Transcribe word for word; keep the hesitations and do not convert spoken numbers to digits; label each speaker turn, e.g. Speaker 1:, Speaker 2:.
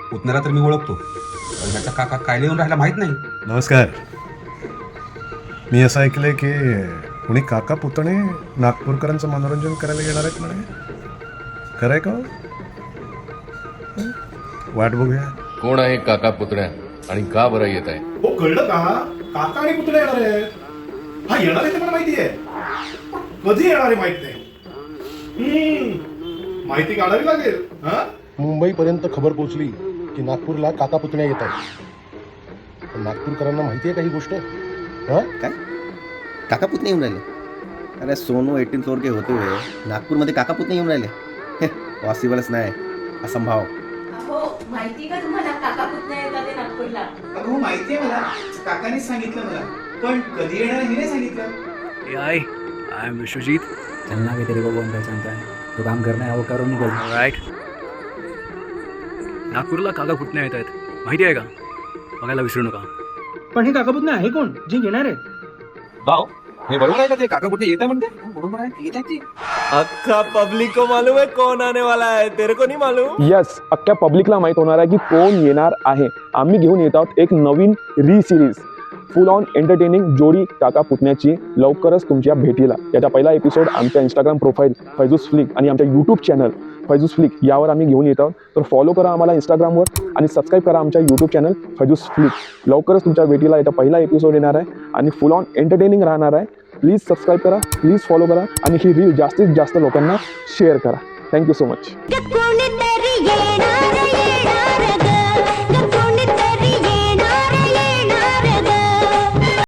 Speaker 1: पुतण्याला तर मी ओळखतो, पण ह्याचा काका काय लिहून राहिला माहित नाही.
Speaker 2: नमस्कार. मी असं ऐकलंय की कुणी काका पुतणे नागपूरकरांचं मनोरंजन करायला येणार आहेत म्हणे. खरं आहे का? हं? वाट बघूया.
Speaker 3: कोण आहे काका पुतण्या आणि का बरं येत आहे?
Speaker 4: हो कळलं का? काका आणि पुतणे येणार आहेत. हा येणार आहे ते मला माहिती आहे, कधी येणार आहे माहित नाही. हम्म, माहिती काढावी लागेल. हा
Speaker 5: मुंबईपर्यंत खबर पोहोचली की नागपूरला काका पुतण्या येत आहेत. पण नागपूरकरांना माहिती आहे का ही गोष्ट? हा
Speaker 6: काय काका पुतणे येऊन राहिले? अरे सोनू एटीन फ्लोर के होते हुए नागपूरमध्ये काका पुतणे येऊन राहिले? पॉसिबलच नाही, असंभाव.
Speaker 7: हो माहिती का तुम्हाला काका पुतण्या येतात ते नागपूरला?
Speaker 8: अगं हो माहिती आहे मला, काकांनीच सांगितलं मला, पण कधी येणार हे नाही सांगितलं.
Speaker 9: ए आई आई एम विश्वजीत. चलना भी तेरे को कौन पहचानता है, तो काम करना है वो करो निकल. राइट. नागपूरला काका पुतण्या येत आहेत, माहिती आहे का? बघायला विसरू नका.
Speaker 10: पण हे काका पुतणे आहे कोण जे येणार आहेत?
Speaker 1: भाऊ हे बरोबर आहे का ते काका कुठे येत आहे म्हणते? बरोबर आहे, येत आहे ते.
Speaker 11: अक्का पब्लिक को मालूम है कौन आने वाला है, तेरे को नहीं मालूम?
Speaker 12: यस, अख्ख्या पब्लिकला माहीत होणार आहे की कोण येणार आहे. आम्ही घेऊन येत आहोत एक नवीन री सिरीज, फुल ऑन एंटरटेनिंग जोडी काका पुतण्याची, लवकरच तुमच्या भेटीला. याचा पहिला एपिसोड आमच्या इंस्टाग्राम प्रोफाईल फैजूस फ्लिक आणि आमच्या यूट्यूब चॅनल फैजूस फ्लिक यावर आम्ही घेऊन येत आहोत. तर फॉलो करा आम्हाला इंस्टाग्रामवर आणि सबस्क्राईब करा आमच्या यूट्यूब चॅनल फैजूस फ्लिक. लवकरच तुमच्या भेटीला याचा पहिला एपिसोड येणार आहे आणि फुल ऑन एंटरटेनिंग राहणार आहे. प्लीज सबस्क्राईब करा, प्लीज फॉलो करा आणि ही रील जास्तीत जास्त लोकांना शेअर करा. Thank you so much.